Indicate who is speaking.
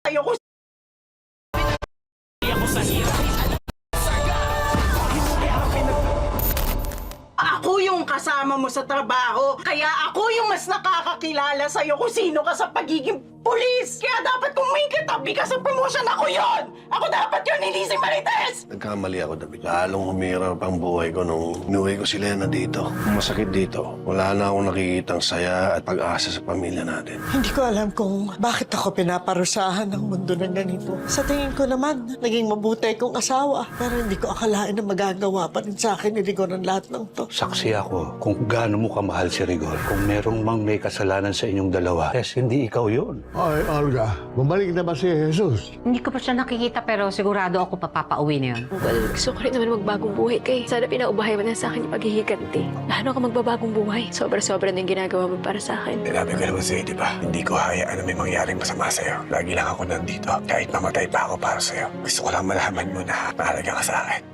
Speaker 1: sa'yo kung ako sa hirap. Ako yung kasama mo sa trabaho, kaya ako yung mas nakakakilala sa'yo kung sino ka sa pagiging pulis. Kaya dapat kung may katabi ka sa promotion, ako yon. Ako dapat yun, hindi si Marites!
Speaker 2: Nagkamali ako, David. Lalong humirap ang buhay ko nung inuwi ko si Lena dito. Ang masakit dito, wala na akong nakikitang saya at pag-asa sa pamilya natin.
Speaker 3: Hindi ko alam kung bakit ako pinaparusahan ng mundo ng ganito. Sa tingin ko naman, naging mabuti kong asawa. Pero hindi ko akalain na magagawa pa rin sa akin ni Rigor ang lahat ng to.
Speaker 4: Saksi ako kung gaano mo kamahal si Rigor. Kung merong mang may kasalanan sa inyong dalawa, yes, hindi ikaw yun.
Speaker 5: Ay, Olga, bumalik na ba si Jesus?
Speaker 6: Hindi ko pa siya nakikita pero sigurado ako papapauwi na yun.
Speaker 7: Well, gusto ko rin naman magbagong buhay kay. Sana pinaubahay mo na sa akin yung paghihiganti. Lalo ka magbabagong buhay. Sobra-sobra na yung ginagawa mo para sa akin.
Speaker 8: Sinabi ko naman sa'yo, di ba? Hindi ko hayaan na may mangyaring masama sa'yo. Lagi lang ako nandito. Kahit mamatay pa ako para sa'yo. Gusto ko lang malaman mo na mahalaga ka sa akin.